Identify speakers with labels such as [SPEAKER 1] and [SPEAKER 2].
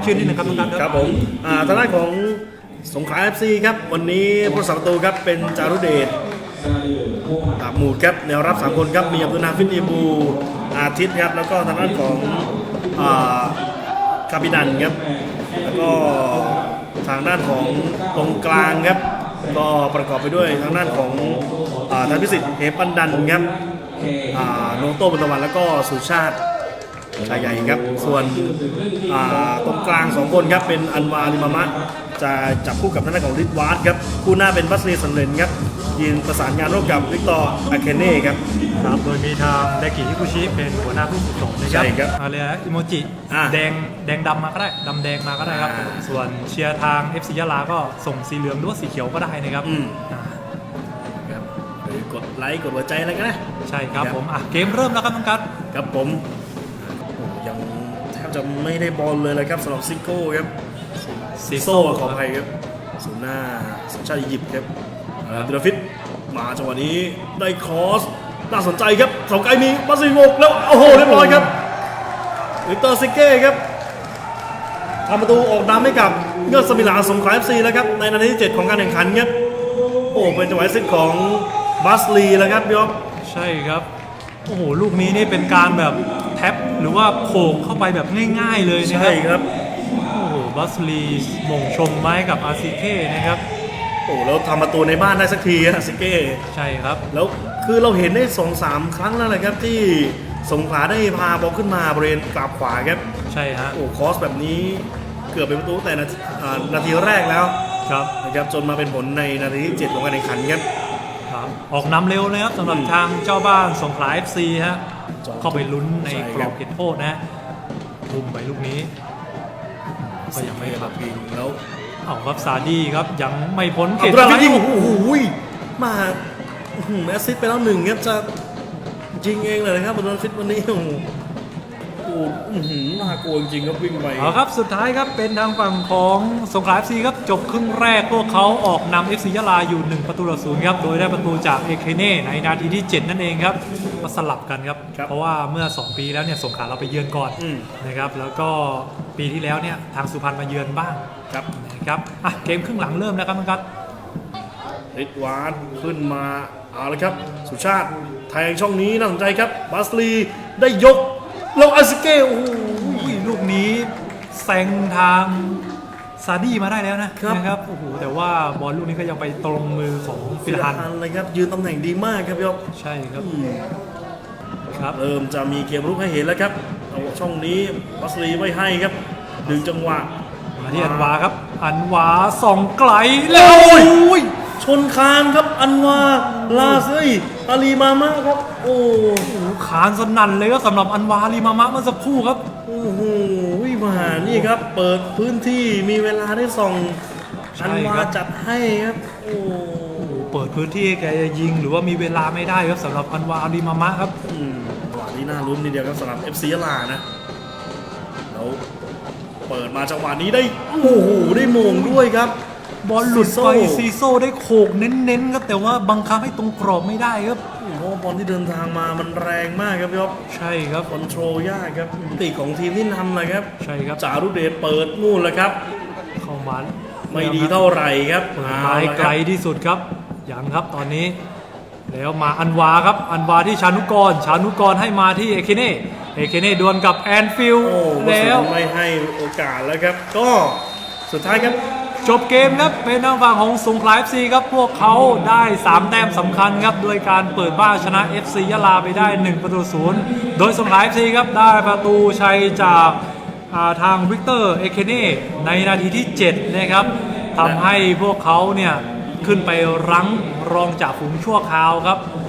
[SPEAKER 1] ชื่อนิดนึงครับทุกท่าน
[SPEAKER 2] ครับผมทางด้านของสงขลา FC ครับวันนี้ผู้รักษาประตูครับเป็นจารุเดชตาบหมูดครับแนวรับ3คนครับมีอับดุลนาฟินอีบูอาทิตย์ครับแล้วก็ทางด้านของคาบินันครับแล้วก็ทางด้านของตรงกลางครับก็ประกอบไปด้วยทางด้านของธนพิสิทธิ์เฮปันดันครับโนโต้บุญตะวันแล้วก็สุชาติชายใหญ่ครับส่วนตรงกลาง2คนครับเป็นอันวาลิมามะจะจับคู่กับทางด้านของริดวาร์ดครับคู่หน้าเป็นบัสลีสันเลนครับยืนประสานงานร่วมกับวิกตอร์อาเคเน่ครับ
[SPEAKER 1] โดยมีทางไดกิฮิคุชิเป็นหัวหน้าผู้ฝึกสอนนะครับอะไรนะอิโมจิแดงดำมาก็ได้ดำแดงมาก็ได้ครับส่วนเชียร์ทาง FC ยะลาก็ส่งสีเหลืองหรือว่าสีเขียวก็ได้นะครับ
[SPEAKER 2] กดไลค์กดหัวใจอะไรกันนะ
[SPEAKER 1] ใช่ครับผมเกมเริ่มแล้วครับน้องกัส
[SPEAKER 2] ครับผมยังแทบจะไม่ได้บอลเลยเลยครับสำหรับซิโก้ครับซิโซ่ขออภัยครับศูนย์หน้าสัญชาติอียิปต์ครับดิลาฟิตมาจังหวะนี้ได้ครอสน่าสนใจครับสองไกลมีบัสซิโกแล้วโอ้โหเรียบร้อยครับวิกเตอร์ซิเก้ครับทำประตูออกนำให้กับยอดสมิลาสงขลา FC แล้วครับในนาทีที่7ของการแข่งขันครับโอ้เป็นจังหวะซิทของบัสลีแล้วครับพี่อ๊อฟ
[SPEAKER 1] ใช่ครับโอ้โหลูกนี้นี่เป็นการแบบแท็บหรือว่าโขกเข้าไปแบบง่ายๆเลยนะครับ
[SPEAKER 2] ใช่ครับ
[SPEAKER 1] โอ้โหบัสลีมงชมไม้กับอาซิเก้นะครับ
[SPEAKER 2] โอ้แล้วทำประตูในบ้านได้สักทีอาซิเก้
[SPEAKER 1] ใช่ครับ
[SPEAKER 2] แล้วคือเราเห็นได้ 2-3 ครั้งแล้วนะครับที่สงขลาได้พาบอลขึ้นมาบริเวณกราบขวาครับ
[SPEAKER 1] ใช่ฮะ
[SPEAKER 2] โอ้คอสแบบนี้เกือบเป็นประตูแต่นาทีแรกแล้ว
[SPEAKER 1] ครับ
[SPEAKER 2] นะครับจนมาเป็นผลในนาทีที่7ของการแข่งขันครับ
[SPEAKER 1] ออกนำเร็วนะครับสำหรับทางเจ้าบ้านสงขลา FC ฮะเข้าไปลุ้นในกรอบเขตโทษนะทุ่มไปลูกนี้ก็ยังไม่ขับพิง
[SPEAKER 2] แล้ว
[SPEAKER 1] เอาครับซาดีครับยังไม่พ้นเขต
[SPEAKER 2] โอ้โหมาแอสซิสต์ไปแล้ว1ครับจะยิงเองเลยนะครับบอลฟิตวันนี้โอ้โหน่ากลัวจริงครับวิ่งไป
[SPEAKER 1] ครับสุดท้ายครับเป็นทางฝั่งของสงขลา FC ครับจบครึ่งแรกพวกเขาออกนำ FC ยะลาอยู่1-0ครับโดยได้ประตูจากเอเคเน่ในนาทีที่7นั่นเองครับมาสลับกันครับเพราะว่าเมื่อ2ปีแล้วเนี่ยสงขลาเราไปเยือนก่อนนะครับแล้วก็ปีที่แล้วเนี่ยทางสุพรรณมาเยือนบ้างนะครับเกมครึ่งหลังเริ่มแล้วครับครับ
[SPEAKER 2] ริดวาร์ดขึ้นมาเอาละครับสุชาติแทงช่องนี้น่าสนใจครับบัสลีได้ยกแล้วอาซิเก้โอ้โห
[SPEAKER 1] ลูกนี้แซงทางซาดี้มาได้แล้วนะครับโอ้โหแต่ว่าบอลลูกนี้ก็ยังไปตรงมือของฟิลฮัน
[SPEAKER 2] เลยครับยืนตำแหน่งดีมากครับพี่อ๊อฟ
[SPEAKER 1] ใช่ครับ
[SPEAKER 2] เริ่มจะมีเกมรุกให้เห็นแล้วครับช่องนี้บัสลีไม่ให้ครับดึงจังหวะ
[SPEAKER 1] มาที่อันวาครับอันวาส่องไกลแล้ว
[SPEAKER 2] ชนคานครับอันวาลาเซยอาลีมามะครับโอ้โห
[SPEAKER 1] คานสนั่นเลยครับสำหรับอันวาลีมามะเมื่อสักครู่ครับ
[SPEAKER 2] โอ้โหมานี่ครับเปิดพื้นที่มีเวลาได้ส่องอันวาจัดให้ครับโอ้
[SPEAKER 1] เปิดพื้นที่แกจะยิงหรือว่ามีเวลาไม่ได้ครับสำหรับอันวาลีมามะครับ
[SPEAKER 2] จังหวะนี้น่าลุ้นทีเดียวครับสำหรับ FC ยะลานะแล้วเปิดมาจังหวะนี้ได้โอ้โหได้โมงด้วยครับ
[SPEAKER 1] บอลหลุดไปซีโซ่ได้โขกเน้นๆครับแต่ว่าบังคับให้ตรงกรอบไม่ได้ครับ
[SPEAKER 2] เพราะบอลที่เดินทางมามันแรงมากครับพี่อ๊อฟ
[SPEAKER 1] ใช่ครับ
[SPEAKER 2] คอนโทรลยากครับตีของทีมที่นำเลยครับ
[SPEAKER 1] ใช่ครับ
[SPEAKER 2] จารุเดชเปิดนู่นแล้วครับ
[SPEAKER 1] เข้ามา
[SPEAKER 2] ไม่ดีเท่าไหร่ครับ
[SPEAKER 1] ไม้ไกลที่สุดครับยังครับตอนนี้แล้วมาอันวาครับอันวาที่ชานุกรให้มาที่เอเคเน่ดวลกับแอนฟิลด์
[SPEAKER 2] แล้วไม่ให้โอกาสแล้วครับก็สุดท้ายครับ
[SPEAKER 1] จบเกมครับเป็นทางฝั่งของสงขลา FC ครับพวกเขาได้3แต้มสำคัญครับโดยการเปิดบ้านชนะ FC ยะลาไปได้1-0โดยสงขลา FC ครับได้ประตูชัยจากทางวิกเตอร์เอเคเน่ในนาทีที่7นะครับทำให้พวกเขาเนี่ยขึ้นไปรั้งรองจากฝูงชั่วคราวครับ